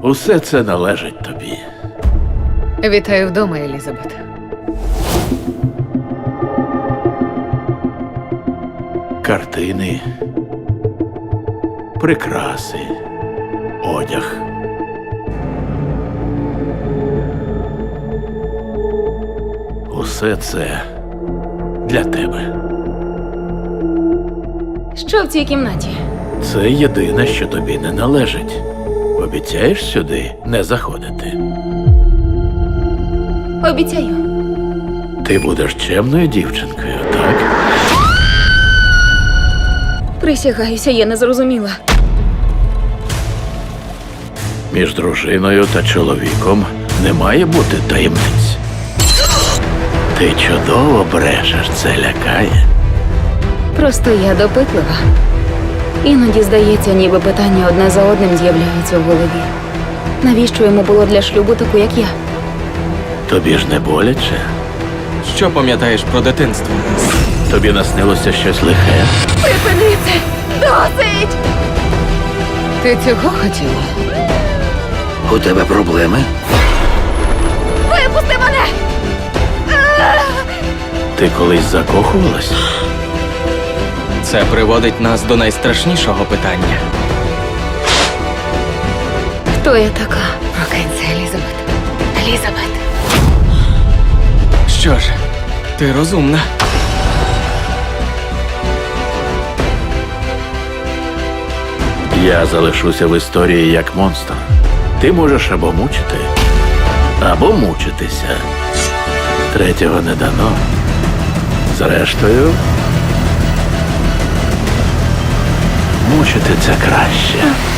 Усе це належить тобі. Вітаю вдома, Елізабет. Картини, прикраси, одяг. Усе це для тебе. Що в цій кімнаті? Це єдине, що тобі не належить. Обіцяєш сюди не заходити? Обіцяю. Ти будеш чемною дівчинкою, так? Присягаюся, я не зрозуміла. Між дружиною та чоловіком не має бути таємниць. Ти чудово брешеш, це лякає. Просто я допитлива. Іноді здається, ніби питання одне за одним з'являються в голові. Навіщо йому було для шлюбу таку, як я? Тобі ж не боляче? Що пам'ятаєш про дитинство? Тобі наснилося щось лихе? Припини це! Досить! Ти цього хотіла? У тебе проблеми? Випусти мене! Ти колись закохувалась? Це приводить нас до найстрашнішого питання. Хто я така? Прокинься, Елізабет. Елізабет. Що ж, ти розумна. Я залишуся в історії як монстр. Ти можеш або мучити, або мучитися. Третього не дано. Зрештою, мучити це краще.